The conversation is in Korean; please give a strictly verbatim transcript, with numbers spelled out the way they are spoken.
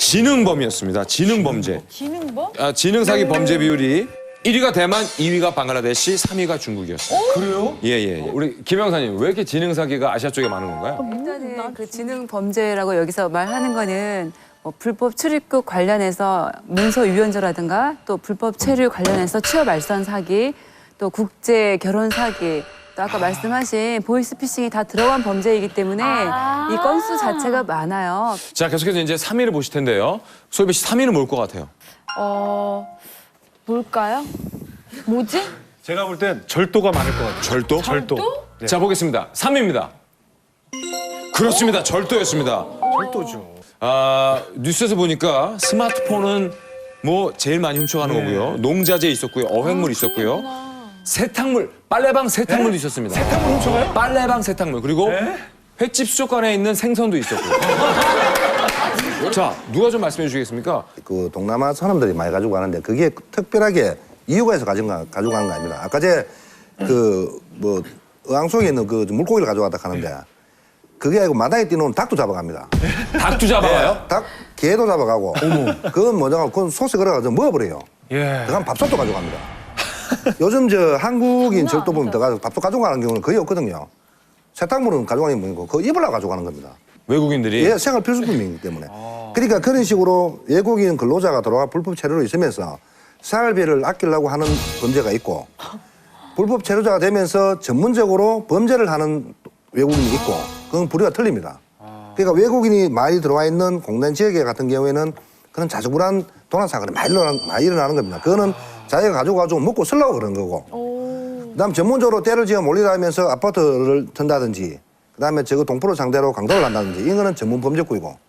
지능범이었습니다. 지능범죄. 지능범? 아, 지능 사기 범죄 비율이 일 위가 대만, 이 위가 방글라데시, 삼 위가 중국이었어요. 그래요? 예, 예, 예. 우리 김 형사님, 왜 이렇게 지능 사기가 아시아 쪽에 많은 건가요? 일단은 그 지능 범죄라고 여기서 말하는 거는 뭐 불법 출입국 관련해서 문서 유연조라든가 또 불법 체류 관련해서 취업 알선 사기, 또 국제 결혼 사기, 또 아까 말씀하신 보이스피싱이 다 들어간 범죄이기 때문에 아. 이 건수 자체가 많아요. 자, 계속해서 이제 삼 위를 보실 텐데요. 소희배 씨 삼 위는 뭘 것 같아요? 어, 뭘까요? 뭐지? 제가 볼 땐 절도가 많을 것 같아요. 절도? 절도. 네. 자, 보겠습니다. 삼 위입니다. 그렇습니다. 절도였습니다. 절도죠. 아, 뉴스에서 보니까 스마트폰은 뭐 제일 많이 훔쳐가는 네. 거고요. 농자재 있었고요. 어획물 있었고요. 세탁물, 빨래방 세탁물도 있었습니다. 세탁물 훔쳐가요? 빨래방 세탁물. 그리고 네? 횟집 수족관에 있는 생선도 있었고요. 자, 누가 좀 말씀해 주시겠습니까? 그 동남아 사람들이 많이 가지고 가는데 그게 특별하게 이유가 있어 가지고 가- 가지고 가는 거 아닙니다. 아까 제 그 뭐 어항 속에 있는 그 물고기를 가져갔다 하는데 그게 아니고 마당에 뛰노는 닭도 잡아갑니다. 닭도 잡아가요? 닭, 개도 잡아가고. 그건 뭐냐, 그건 소스 걸어가지고 먹어버려요. 예. 그건 밥솥도 가져갑니다. 요즘 저 한국인 절도 보면 더 가지고 밥솥 가져가는 경우는 거의 없거든요. 세탁물은 가져가는 게 뭐고 그 입으려고 가져가는 겁니다. 외국인들이 예, 생활 필수품이기 때문에. 그러니까 그런 식으로 외국인 근로자가 들어와 불법 체류로 있으면서 생활비를 아끼려고 하는 범죄가 있고 불법 체류자가 되면서 전문적으로 범죄를 하는 외국인이 있고 그건 부류가 틀립니다. 그러니까 외국인이 많이 들어와 있는 공단 지역에 같은 경우에는 그런 자주불안 도난 사건이 많이 일어나는, 많이 일어나는 겁니다. 그거는 자기가 가지고 가지고 먹고 쓰려고 그런 거고. 그다음 전문적으로 때를 지어 몰리라 하면서 아파트를 튼다든지 그다음에 저거 동포를 상대로 강도를 한다든지 이거는 전문 범죄구이고